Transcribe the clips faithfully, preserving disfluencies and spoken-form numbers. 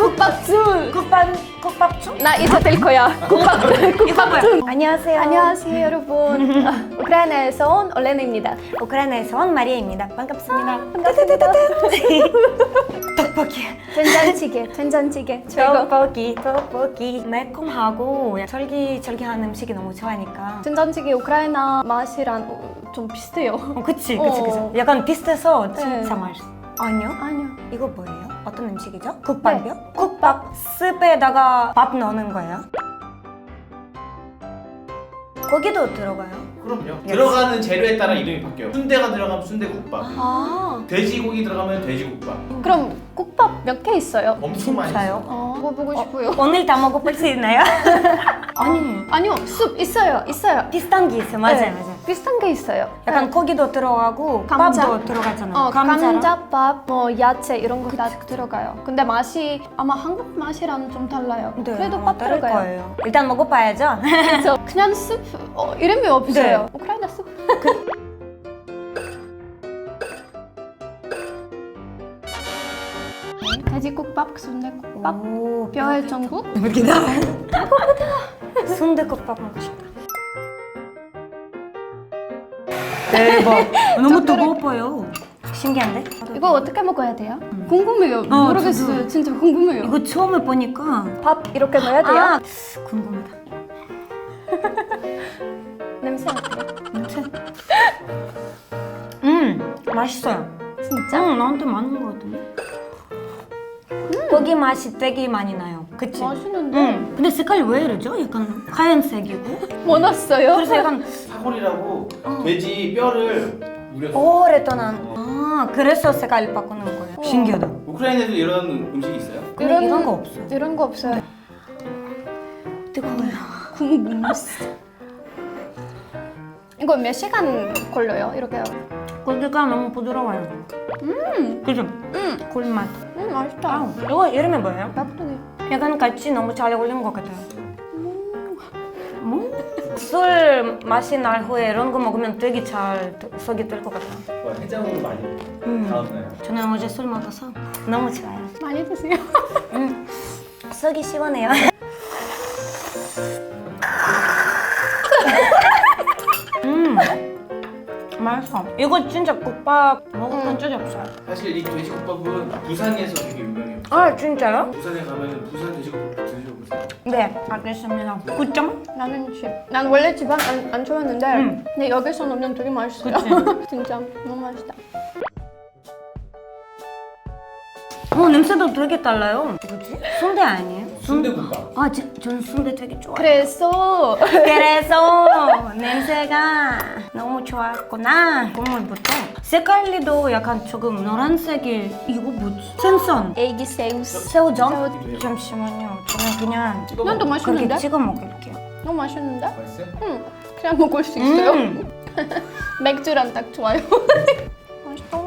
국밥순. 국밥 국밥중? 나 이제 될 거야. 국밥 국밥순. 안녕하세요. 안녕하세요 여러분. 아, 우크라이나에서 온 올레나입니다. 우크라이나에서 온 마리아입니다. 반갑습니다. 반갑습니다. 떡볶이. 된장찌개, 된장찌개. 저거 떡볶이, 떡볶이. 매콤하고 쫄깃쫄깃한 음식이 너무 좋아하니까. 된장찌개 우크라이나 맛이랑 좀 비슷해요. 어, 그치, 그치, 그치. 어. 약간 비슷해서 진짜 네. 맛있어. 아니요? 아니요. 이거 뭐예요? 어떤 음식이죠? 국밥이요? 네. 국밥. 스프에다가 밥 넣는 거예요? 고기도 들어가요? 그럼요. 들어가는 재료에 따라 이름이 바뀌어요. 순대가 들어가면 순대국밥, 아, 돼지고기 들어가면 돼지국밥. 그럼 국밥 몇 개 있어요? 엄청 많이 진짜요? 있어요. 어, 먹어보고 싶어요. 오늘 다 먹어볼 수 있나요? 아니, 아니요, 숲 있어요, 있어요. 비슷한 게 있어요. 맞아요, 네, 맞아요. 비슷한 게 있어요. 약간 네. 고기도 들어가고 감자. 밥도 들어가잖아요. 어, 감자랑. 감자밥, 뭐 야채 이런 거 다 들어가요. 근데 맛이 아마 한국 맛이랑 좀 달라요. 네, 그래도 아마 밥 다를 들어가요. 거예요. 일단 먹어봐야죠. 그래서 그냥 숲 어, 이름이 없어요. 네. 우크라이나 숲. 돼지국밥, 순대국밥, 오, 뼈의 전국. 여기다. 순대국밥 먹고 싶다. 대박. 너무 뜨거워 보여. 신기한데? 이거 어떻게 먹어야 돼요? 궁금해요. 모르겠어요. 저도. 진짜 궁금해요. 이거 처음에 보니까 밥 이렇게 넣어야 돼요? 아, 궁금하다. 냄새 어때요? 냄새. 음, 맛있어요. 진짜? 응, 나한테 맞는 것 같은데. 고기 맛이 되게 많이 나요. 그치? 맛있는데? 응. 근데 색깔이 왜 이러죠? 약간 하얀색이고. 원했어요? 그래서 약간 사골이라고 돼지 뼈를 우려. 오랫동안. 아, 그래서 색깔 바꾸는 거예요. 어. 신기하다. 우크라이나에도 이런 음식이 있어요? 근데 이런 거 없어요. 이런 거 없어요. 뜨거워요. 궁금했어. 이거 몇 시간 걸려요? 이렇게. 고기가 너무 부드러워요. 음, 그죠? 음, 꿀맛. 음 맛있다. 아, 이거 이름이 뭐예요? 납득이. 약간 같이 너무 잘 어울리는 것 같아요. 뭐? 술 맛이 날 후에 이런 거 먹으면 되게 잘 속이 뜰 것 같아요. 뭐 해장으로 많이 음. 다음나요. 저는 어제 술 먹어서 너무 좋아요. 많이 드세요. 음, 속이 시원해요. 음, 맛있어. 이거 진짜 국밥 먹어본 적이 없어요. 사실 이 돼지국밥은 부산에서 되게 유명해요. 아, 진짜요? 부산에 가면 부산 돼지국밥 드셔보세요. 네, 알겠습니다. 구 점? 나는 집. 난 원래 집안 안, 안 좋아했는데 음. 근데 여기서 넣으면 되게 맛있어요. 진짜 너무 맛있다. 어, 냄새도 되게 달라요. 뭐지? 순대 아니에요? 순대국밥. 아, 저, 전 순대 되게 좋아해요. 그래서 그래서 냄새가 너무 좋았구나. 국물부터. 색깔도 약간 조금 노란색이 이거 뭐지? 생선. 애기 새우. 새우전? 새우- 잠시만요. 저는 그냥 찍어 난또 먹어요. 맛있는데? 그렇게 찍어 먹을게요. 너무 맛있는데? 맛있어요? 응. 그냥 먹을 수 있어요. 음. 맥주랑 딱 좋아요. 맛있다.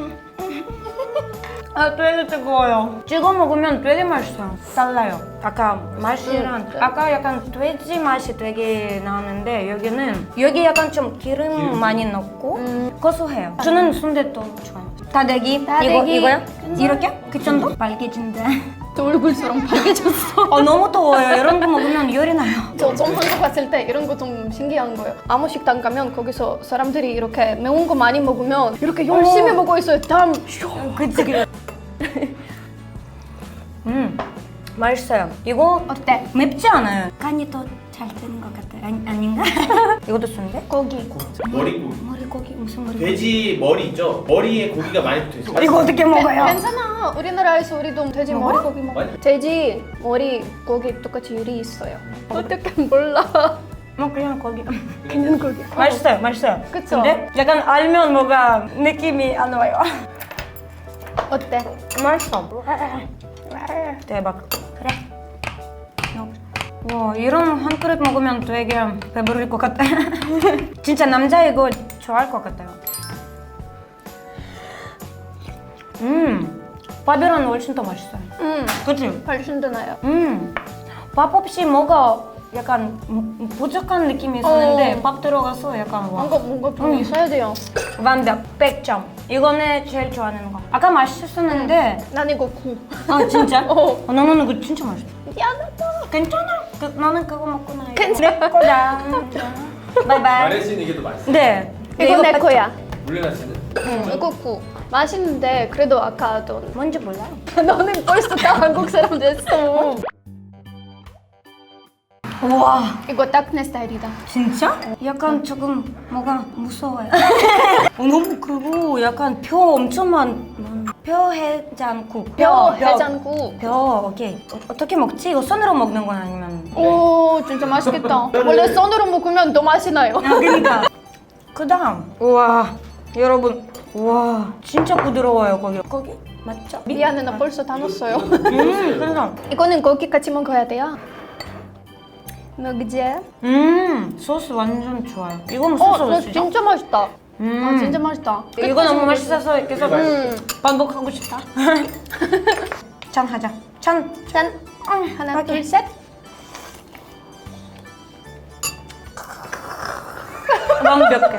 아, 되게 뜨거워요. 찍어 먹으면 되게 맛있어요. 달라요. 아까 맛이랑 음, 네. 아까 약간 돼지 맛이 되게 나는데 여기는 여기 약간 좀 기름, 기름. 많이 넣고 음. 고소해요. 저는 순대도 좋아요. 다대기, 다대기. 이거 이거요? 이렇게? 그 정도? 빨개진다. 저 얼굴처럼 빨개졌어. 어, 너무 더워요. 이런 거 먹으면 열이 나요. 저 좀 한국 갔을 때 이런 거 좀 신기한 거예요. 아무 식당 가면 거기서 사람들이 이렇게 매운 거 많이 먹으면 이렇게 열심히 어. 먹고 있어요. 다음 그치 그치. 음, 맛있어요. 이거 어때? 맵지 않아요. 간이 더 잘 되는 것 같아요. 아니, 아닌가? 이것도 순대? 고기. 머리고기. 머리고기 무슨 머리? 돼지 머리 있죠? 머리에 고기가 많이 붙어 있어요. 이거 어떻게 먹어요? 괜찮아. 우리나라에서 우리도 돼지 먹어? 머리 고기 먹어. 맞아. 돼지 머리 고기 똑같이 요리 있어요. 어떻게 몰라? 뭐 그냥 고기. 그냥 고기. 맛있어요, 맛있어요. 그쵸? 근데 약간 알면 뭐가 느낌이 안 와요. 어때? 맛있어. 대박. 그래. 와, 이런 한 그릇 먹으면 되게 배부를 것 같아. 진짜 남자 이거 좋아할 것 같아요. 음, 밥이랑 훨씬 더 맛있어요. 음, 그치? 훨씬 더 나요. 음, 밥 없이 뭐가 약간 음, 부족한 느낌이 있었는데 어. 밥 들어가서 약간 와. 뭔가 뭔가 좀 음. 있어야 돼요. 완벽 백 점. 이거는 제일 좋아하는 거. 아까 맛있었는데 난 이거 구. 아 진짜? 어. 어, 나는 이거 진짜 맛있어. 미안하다. 괜찮아. 그, 나는 그거 먹고 나요. 괜찮아. 내 거다. 바이바이. 마레 씨는 이게 더 맛있어. 네. 이거 내 뺐죠? 거야. 물레나 씨는? 응. 이거 구. 맛있는데 그래도 아까 돈. 뭔지 몰라요. 너는 벌써 다 한국 사람 됐어. 우와. 이거 딱 내 스타일이다. 진짜? 약간 조금 뭐가 무서워요. 어, 너무 크고 약간 뼈 엄청 많. 뼈 해장국. 뼈 해장국. 뼈 오케이. 어, 어떻게 먹지? 이거 손으로 먹는 건 아니면? 오 진짜 맛있겠다. 원래 손으로 먹으면 더 맛이 나요. 아 그러니까. 그다음. 우와 여러분. 우와 진짜 부드러워요 거기. 거기 맞죠? 미안해 나 벌써 다 넣었어요. 음 그래서. 이거는 고기 같이 먹어야 돼요. 너 где? 음 소스 완전 좋아요. 이거는 어, 소스 나 어디죠? 진짜 맛있다. 음. 아, 진짜 맛있다. 이거 너무 맛있어서 계속 음. 반복하고 싶다. 짠 하자. 짠. 짠. 음, 하나, 오케이. 둘, 셋. 완벽해.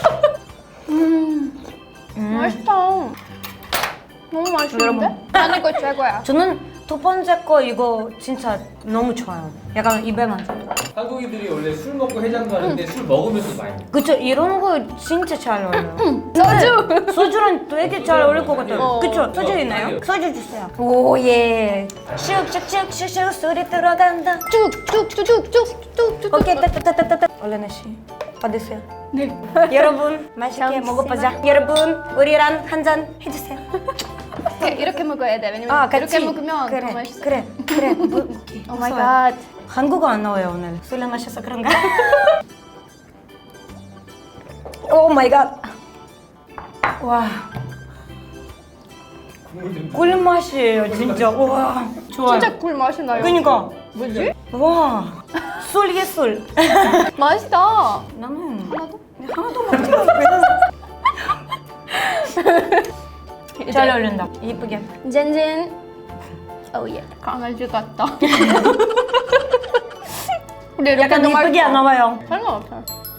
음, 맛있다. 너무 맛있는데? 여러분. 난 이거 최고야. 저는 두 번째 거 이거 진짜 너무 좋아요. 약간 입에 맞아. 한국인들이 원래 술 먹고 해장도 하는데 술 먹으면서 많이 먹어. 그쵸? 이런 거 진짜 잘 어울려요. 소주. 소주랑 되게 잘 어울릴 것 같아요. 어. 그쵸? 소주 있나요? 소주 주세요. 오 예. 슉슉슉슉슉 소리 들어간다. 쭉쭉쭉쭉쭉쭉쭉. 오케이 따따따따따. 얼른 씨 받으세요. 네. 여러분 맛있게 잠시만. 먹어보자. 여러분 우리랑 한 잔 해주세요. 이렇게, 이렇게 먹어야 돼. 왜냐면 아 같이. 이렇게 먹으면 그래 더 맛있어. 그래 그래. 뭐, 오케이. 오 마이 무서워요. 갓. 한국어 안 나와요 오늘. 술 마셔서 그런가? 오 마이 갓. 와. 국물 좀. 꿀맛이에요 진짜. 와 좋아요. 진짜 꿀 맛이 나요. 그니까. 뭐지? 와. 술 예술. 맛있다. 나는 하나 더? 하나도 먹지. 잘 어울린다. 이쁘게. 젠젠. 오예. 강아지 같다. 근데 이렇게 약간 너무 이쁘게 안 나와요. 상관없어.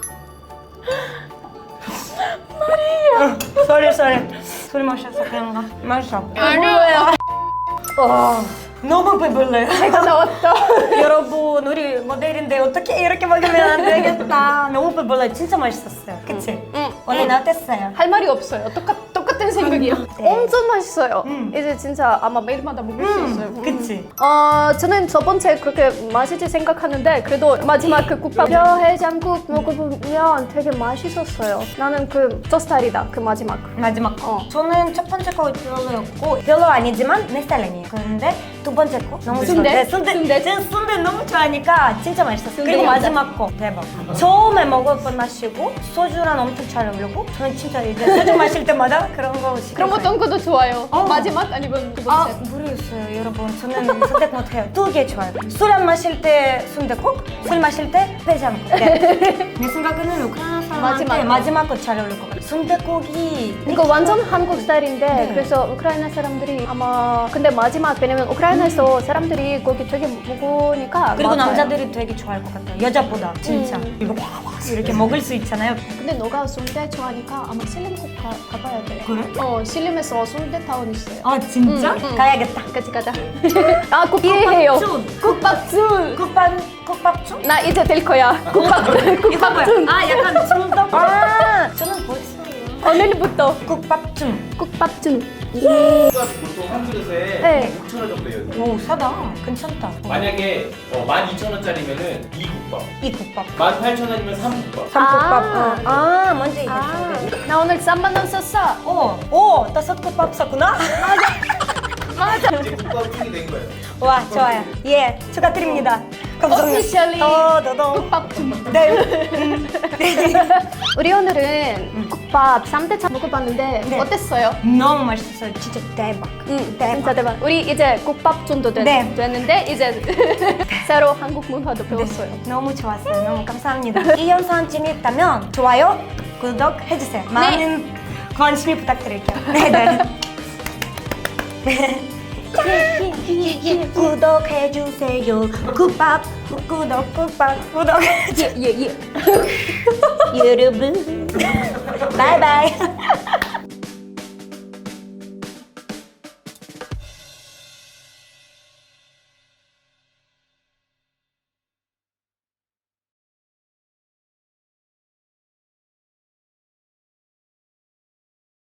쏘리 쏘리. 술 마셔서 그런가? 마셔. 아니에요. 와. 너무 배불러요. 내가 나왔다. 여러분 우리 모델인데 어떻게 이렇게 먹으면 안 되겠다. 너무 배불러요. 진짜 맛있었어요. 그치? 응. 오늘 어땠어요? 할 말이 없어요. 똑같 똑같은 생각이요. 네. 엄청 맛있어요. 음. 이제 진짜 아마 매일마다 먹을 수 있어요. 음. 그치? 어, 저는 첫 번째 그렇게 맛있지 생각하는데 그래도 마지막 그 국밥 뼈 해장국 먹어보면 되게 맛있었어요. 나는 그 저 스타일이다. 그 마지막. 마지막 거. 어. 저는 첫 번째 거 별로였고 별로 아니지만 내 스타일 아니에요. 그런데 두 번째 거 너무 순대? 좋아요. 네, 순대. 순대. 저는 순대 너무 좋아하니까 진짜 맛있었어요. 순대 그리고 감자. 마지막 거 대박. 처음에 먹었던 맛이고 소주랑 엄청 잘 어울리고 저는 진짜 이제 소주 마실 때마다 그런 거 시켰어요. 그런 거 어떤 것도 좋아요. 어. 마지막 아니면 두 아 번째. 모르겠어요 여러분. 저는 선택 못해요. 두 개 좋아요. 술 안 마실 때 순대국, 술 마실 때 해장국. 네. 내 생각에는 우크라이나 사람한테 마지막 거. 마지막 거 잘 어울릴 것 같아요. 순대국이 이거 완전 한국 스타일인데 네. 그래서 우크라이나 사람들이 아마 근데 마지막 왜냐면 우크라이나에서 사람들이 거기 되게 먹으니까 그리고 맞아요. 남자들이 되게 좋아할 것 같아요. 여자보다 진짜 음. 이거 이렇게 먹을 수 있잖아요. 근데 너가 순대 좋아하니까 아마 신림 꼭 가, 가봐야 돼. 그래? 어 신림에서 순대타운 있어요. 아 진짜? 응, 응. 가야겠다. 같이 가자. 아 국밥해요. 국밥순. 국밥순. 국밥 국밥중? 나 이제 될 거야. 국밥 국밥순. 아 약간 중독. 아 저는 벌써 오늘부터 국밥중. 국밥순. 국밥 보통 한 그릇에 네. 육천 원 정도 해요. 오 싸다. 괜찮다. 만약에 어, 만 이천 원짜리면은 이 국밥, 이 국밥. 만 팔천 원이면 삼 국밥. 삼국밥. 아. 아, 아 먼저 이게 아, 아. 나 오늘 삼만 원 썼어. 오, 오, 다섯 국밥 샀구나. 맞아. 이제 국밥중이 된 거예요. 와, 좋아요. 예, 축하드립니다. 감사합니다. Officially 더더더. 국밥순. 네. 음, 네. 우리 오늘은 국밥 삼 대 차 먹어봤는데 네. 어땠어요? 너무 맛있었어요. 진짜 대박. 응, 대박. 진짜 대박. 우리 이제 국밥순도 됐, 네. 됐는데 이제 새로 한국 문화도 배웠어요. 너무 좋았어요. 너무 감사합니다. 이 영상 재미있다면 좋아요, 구독 해주세요. 많은 관심 부탁드릴게요. 네, 네. 구독해주세요. 국밥, 구독, 국밥, 구독. 예예 예. 여러분, 바이바이.